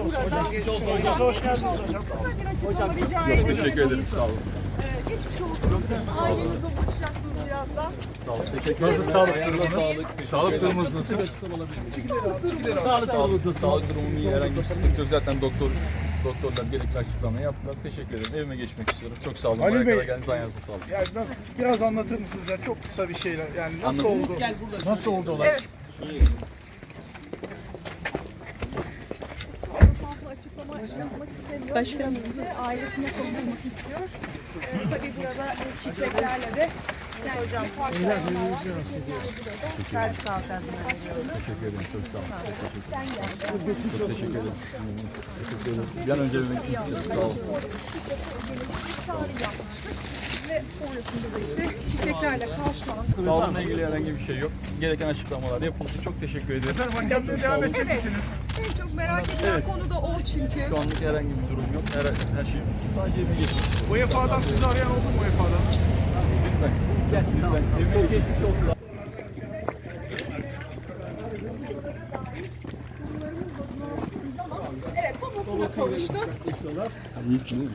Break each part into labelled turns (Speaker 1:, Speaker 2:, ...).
Speaker 1: Hoş geldiniz hocam. Hocam rica ederim.
Speaker 2: Teşekkür ederim. Sağ olun.
Speaker 1: Geçmiş olsun. Ailenizle ulaşacaksınız birazdan.
Speaker 2: Sağ olun. Teşekkür ederim.
Speaker 3: Nasıl sağlık durumunuz? Sağlık durumunuz nasıl?
Speaker 2: Sağlık durumum iyi. Herhangi bir sıkıntı yok. Zaten doktorlar gerekli açıklamayı yaptılar. Teşekkür ederim. Evime geçmek istiyorum. Çok sağ olun.
Speaker 3: Ali
Speaker 2: Buraya
Speaker 3: Bey.
Speaker 2: kadar geldiniz. Ayağınıza sağlık.
Speaker 3: Yani biraz anlatır mısınız ya? Çok kısa bir şeyler. Yani nasıl oldu? Nasıl oldu olay?
Speaker 1: Evet. Fazla açıklama yapmak istemiyor. Başkanımız ailesine konuşmak istiyor. Tabii burada çiçeklerle de hocam karşılama var. Selçuk Altan'dan
Speaker 2: Teşekkür ederim. Çok sağ olun. Çok teşekkür ederim. Teşekkür ederim. Bir an önce evime gitmek istiyorum. Sağ olun.
Speaker 1: çağrı yapmıştık. Ve sonrasında da işte çiçeklerle karşılandı.
Speaker 2: Sağlığımla ilgili herhangi bir şey yok. Gereken açıklamalar yapıldı. Çok teşekkür ederim.
Speaker 3: Hakemle devam edecek misiniz?
Speaker 1: En çok merak edilen konu da o çünkü.
Speaker 2: Şu anlık herhangi bir durum yok. Her şey sadece evime geçmek istiyorum.
Speaker 3: UEFA'dan sizi arayan oldu mu UEFA'dan?
Speaker 2: Lütfen. Lütfen. Evime geçmiş olsun.
Speaker 1: Evet, babasına kavuştu.
Speaker 2: İyisin değil mi?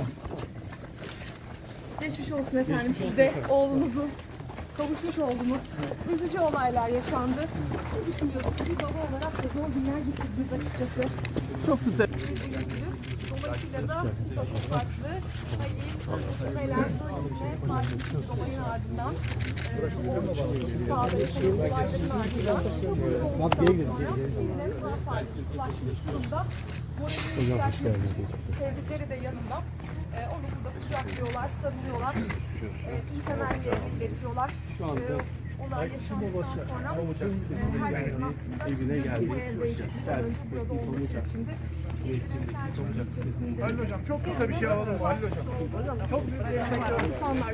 Speaker 1: Geçmiş olsun efendim size. Oğlunuzun kavuşmuş olduğumuz üzücü olaylar yaşandı. Ne düşünüyorsunuz? Bir baba olarak da zor günler geçirdiniz açıkçası.
Speaker 2: Çok güzel.
Speaker 1: Dolayısıyla da çok farklı. Hayır, neler soyunma, farklı bir olayın ardından oldukça sağlıklı olayların ardından çok birine sağ salim ulaşmış durumda. Moralini yükseltmek için sevdikleri de yanında. Onu burada kucaklıyorlar, sarılıyorlar. İyi temelli iletiyorlar. Olay yaşandıktan sonra her gün aslında bu eldeydi. Burada olduğu için de
Speaker 3: Halil Hocam çok kısa bir şey alalım mı Halil Hocam?
Speaker 1: çok büyük destek var. İnsanlar